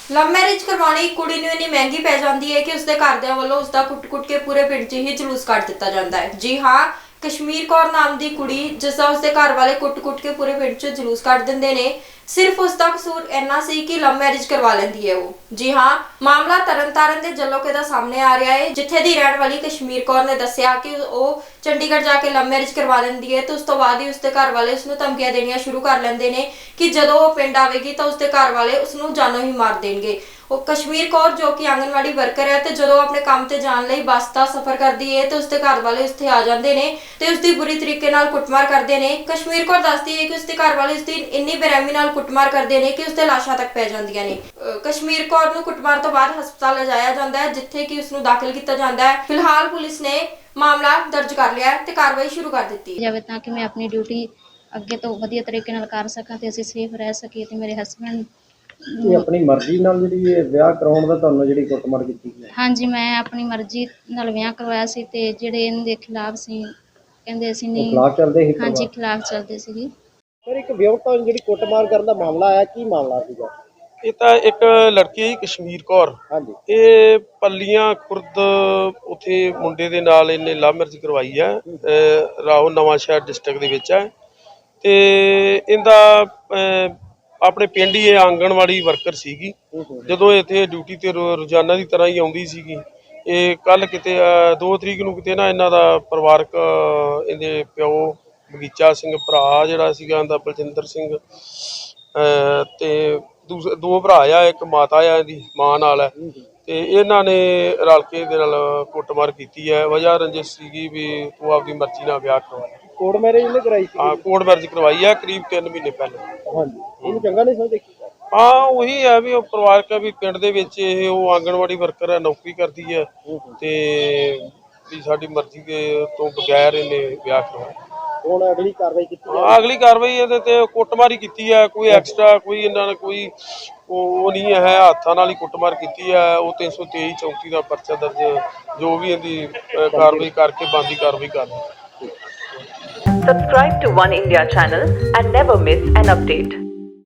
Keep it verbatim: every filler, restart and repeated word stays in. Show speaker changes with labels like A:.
A: Love marriage ਕਰਵਾਉਣੀ ਕੁੜੀ ਨੂੰ ਇੰਨੀ ਮਹਿੰਗੀ ਪੈ ਜਾਂਦੀ ਹੈ ਕਿ ਉਸਦੇ ਘਰਦਿਆਂ ਵੱਲੋਂ ਉਸਦਾ ਕੁੱਟ-ਕੁੱਟ ਕੇ ਪੂਰੇ ਪਿੰਡ 'ਚ ਹੀ ਜਲੂਸ ਕੱਢ ਦਿੱਤਾ ਜਾਂਦਾ ਹੈ। ਜੀ ਹਾਂ, ਕਸ਼ਮੀਰ ਕੌਰ ਨਾਮ ਦੀ ਕੁੜੀ ਜਿਸ ਦਾ ਉਸਦੇ ਘਰ ਵਾਲੇ ਕੁੱਟ-ਕੁੱਟ ਕੇ ਪੂਰੇ ਪਿੰਡ 'ਚ ਜਲੂਸ ਕੱਢ ਦਿੰਦੇ ਨੇ। ਸਿਰਫ ਉਸਦਾ ਕਸੂਰ ਇੰਨਾ ਸੀ ਕਿ ਲਵ ਮੈਰਿਜ ਕਰਵਾ ਲੈਂਦੀ ਹੈ ਉਹ। ਜੀ ਹਾਂ, ਮਾਮਲਾ ਤਰਨਤਾਰਨ ਦੇ ਜੱਲੋਕੇ ਦਾ ਸਾਹਮਣੇ ਆ ਰਿਹਾ ਹੈ, ਜਿੱਥੇ ਦੀ ਰਹਿਣ ਵਾਲੀ ਕਸ਼ਮੀਰ ਕੌਰ ਨੇ ਦੱਸਿਆ ਕਿ ਉਹ ਚੰਡੀਗੜ੍ਹ ਜਾ ਕੇ ਲਵ ਮੈਰਿਜ ਕਰਵਾ ਲੈਂਦੀ ਹੈ ਤੇ ਉਸ ਤੋਂ ਬਾਅਦ ਹੀ ਉਸਦੇ ਘਰ ਵਾਲੇ ਉਸਨੂੰ ਧਮਕੀਆਂ ਦੇਣੀਆਂ ਸ਼ੁਰੂ ਕਰ ਲੈਂਦੇ ਨੇ ਕਿ ਜਦੋਂ ਉਹ ਪਿੰਡ ਆਵੇਗੀ ਤਾਂ ਉਸਦੇ ਘਰ ਵਾਲੇ ਉਸਨੂੰ ਜਾਨੋਂ ਹੀ ਮਾਰ ਦੇਣਗੇ। ਉਹ ਕਸ਼ਮੀਰ ਕੌਰ ਜੋ ਕਿ ਆਂਗਨਵਾੜੀ ਵਰਕਰ ਹੈ ਤੇ ਜਦੋਂ ਆਪਣੇ ਕੰਮ ਤੇ ਜਾਣ ਲਈ ਬੱਸ ਦਾ ਸਫ਼ਰ ਕਰਦੀ ਹੈ ਤੇ ਉਸਦੇ ਘਰ ਵਾਲੇ ਉੱਥੇ ਆ ਜਾਂਦੇ ਨੇ ਤੇ ਉਸਦੀ ਬੁਰੀ ਤਰੀਕੇ ਨਾਲ ਕੁੱਟਮਾਰ ਕਰਦੇ ਨੇ। ਕਸ਼ਮੀਰ ਕੌਰ ਦੱਸਦੀ ਹੈ ਕਿ ਉਸਦੇ ਘਰ ਵਾਲੇ ਉਸਦੀ ਇੰਨੀ ਬੇਰਹਿਮੀ ਨਾਲ ਕੁੱਟਮਾਰ ਕਰਦੇ ਨੇ ਕਿ ਉਸਦੇ ਲਾਸ਼ਾਂ ਤੱਕ ਪੈ ਜਾਂਦੀਆਂ ਨੇ। ਕਸ਼ਮੀਰ ਕੌਰ ਨੂੰ ਕੁੱਟਮਾਰ ਤੋਂ ਬਾਅਦ ਹਸਪਤਾਲ ਲਿਜਾਇਆ ਜਾਂਦਾ ਹੈ, ਜਿੱਥੇ ਕਿ ਉਸਨੂੰ ਦਾਖਲ ਕੀਤਾ ਜਾਂਦਾ ਹੈ। ਫਿਲਹਾਲ ਪੁਲਿਸ ਨੇ ਮਾਮਲਾ ਦਰਜ ਕਰ ਲਿਆ ਤੇ ਕਾਰਵਾਈ ਸ਼ੁਰੂ ਕਰ ਦਿੱਤੀ
B: ਜਾਵੇ ਤਾਂ ਕਿ ਮੈਂ ਆਪਣੀ ਡਿਊਟੀ ਅੱਗੇ ਤੋਂ ਵਧੀਆ ਤਰੀਕੇ ਨਾਲ ਕਰ ਸਕਾਂ ਤੇ ਅਸੀਂ ਸੇਫ ਰਹਿ ਸਕੀਏ ਤੇ ਮੇਰੇ ਹਸਬੰਡ
C: ਇਹ ਆਪਣੀ ਮਰਜ਼ੀ ਨਾਲ ਜਿਹੜੀ ਇਹ ਵਿਆਹ ਕਰਾਉਣ ਦਾ ਤੁਹਾਨੂੰ ਜਿਹੜੀ ਕੁੱਟਮਾਰ ਕੀਤੀ ਗਈ?
B: ਹਾਂਜੀ, ਮੈਂ ਆਪਣੀ ਮਰਜ਼ੀ ਨਾਲ ਵਿਆਹ ਕਰਵਾਇਆ ਸੀ ਤੇ ਜਿਹੜੇ ਇਹਨਾਂ ਦੇ ਖਿਲਾਫ ਸੀ ਕਹਿੰਦੇ ਅਸੀਂ ਨਹੀਂ
C: ਖਿਲਾਫ ਚੱਲਦੇ ਸੀ?
B: ਹਾਂਜੀ, ਖਿਲਾਫ ਚੱਲਦੇ ਸੀਗੇ।
C: ਸਰ, ਇੱਕ ਵਿਆਹੁਤਾ ਨੂੰ ਜਿਹੜੀ ਕੁੱਟਮਾਰ ਕਰਨ ਦਾ ਮਾਮਲਾ ਆਇਆ, ਕੀ ਮਾਮਲਾ ਸੀਗਾ?
D: ਇਹ ਤਾਂ ਇੱਕ ਲੜਕੀ ਹੈ ਕਸ਼ਮੀਰ ਕੌਰ।
C: ਹਾਂਜੀ।
D: ਇਹ ਪੱਲੀਆਂ ਖੁਰਦ ਉੱਥੇ ਮੁੰਡੇ ਦੇ ਨਾਲ ਇਹਨੇ ਲਵ ਮੈਰਿਜ ਕਰਵਾਈ ਹੈ, ਰਾਓ ਨਵਾਂ ਸ਼ਹਿਰ ਡਿਸਟ੍ਰਿਕਟ ਦੇ ਵਿੱਚ ਹੈ। ਤੇ ਇਹਦਾ ਆਪਣੇ ਪਿੰਡ ਹੀ ਇਹ ਆਂਗਣਵਾੜੀ ਵਰਕਰ ਸੀਗੀ। ਜਦੋਂ ਇੱਥੇ ਡਿਊਟੀ ਤੇ ਰੋਜ਼ਾਨਾ ਦੀ ਤਰ੍ਹਾਂ ਹੀ ਆਉਂਦੀ ਸੀਗੀ। ਇਹ ਕੱਲ ਕਿਤੇ ਦੋ ਤਰੀਕ ਨੂੰ ਕਿਤੇ ਨਾ ਇਹਨਾਂ ਦਾ ਪਰਿਵਾਰਕ ਇਹਦੇ ਪਿਓ ਬਗੀਚਾ ਸਿੰਘ ਭਰਾ ਜਿਹੜਾ ਸੀਗਾ ਇਹਦਾ ਬਲਜਿੰਦਰ ਸਿੰਘ ਤੇ ਦੂਸਰੇ ਦੋ ਭਰਾ ਆ, ਇੱਕ ਮਾਤਾ ਆ ਇਹਦੀ ਮਾਂ ਨਾਲ ਹੈ। ਤੇ ਇਹਨਾਂ ਨੇ ਰਲ ਕੇ ਇਹਦੇ ਨਾਲ ਕੁੱਟਮਾਰ ਕੀਤੀ ਹੈ। ਵਜ੍ਹਾ ਰੰਜਿਸ਼ ਸੀਗੀ ਵੀ ਤੂੰ ਆਪਦੀ ਮਰਜ਼ੀ ਨਾਲ ਵਿਆਹ ਕਰਵਾਇਆ।
C: ਕੋਰਟ ਮੈਰਿਜ ਇਹਨੇ ਕਰਾਈ ਸੀ?
D: ਹਾਂ, ਕੋਰਟ ਮੈਰਿਜ ਕਰਵਾਈ ਹੈ ਕਰੀਬ ਤਿੰਨ ਮਹੀਨੇ ਪਹਿਲਾਂ।
C: ਹਾਂਜੀ। ਇਹਨੂੰ ਚੰਗਾ ਨਹੀਂ ਸਮਝਦੇ?
D: ਹਾਂ, ਉਹੀ ਹੈ ਵੀ ਉਹ ਪਰਿਵਾਰਕ ਹੈ ਵੀ ਪਿੰਡ ਦੇ ਵਿੱਚ ਇਹ ਉਹ ਆਂਗਣਵਾੜੀ ਵਰਕਰ ਹੈ, ਨੌਕਰੀ ਕਰਦੀ ਹੈ ਤੇ ਵੀ ਸਾਡੀ ਮਰਜ਼ੀ ਦੇ ਤੋਂ ਬਗੈਰ ਇਹਨੇ ਵਿਆਹ ਕਰਵਾਇਆ।
C: ਹੁਣ ਅਗਲੀ ਕਾਰਵਾਈ ਕੀਤੀ
D: ਹਾਂ, ਅਗਲੀ ਕਾਰਵਾਈ ਇਹਦੇ ਤੇ ਕੁੱਟਮਾਰ ਹੀ ਕੀਤੀ ਹੈ। ਕੋਈ ਐਕਸਟਰਾ ਕੋਈ ਇਹਨਾਂ ਨੇ ਕੋਈ ਉਹ ਨਹੀਂ ਹੈ, ਹੱਥਾਂ ਨਾਲ ਹੀ ਕੁੱਟਮਾਰ ਕੀਤੀ ਹੈ। ਉਹ ਤਿੰਨ ਸੌ ਤੇਈ ਚੌਂਤੀ ਦਾ ਪਰਚਾ ਦਰਜ ਜੋ ਵੀ ਇਹਦੀ ਕਾਰਵਾਈ ਕਰਕੇ ਬਣਦੀ ਕਾਰਵਾਈ ਕਰਨੀ।
E: Subscribe to One India channel and never miss an update.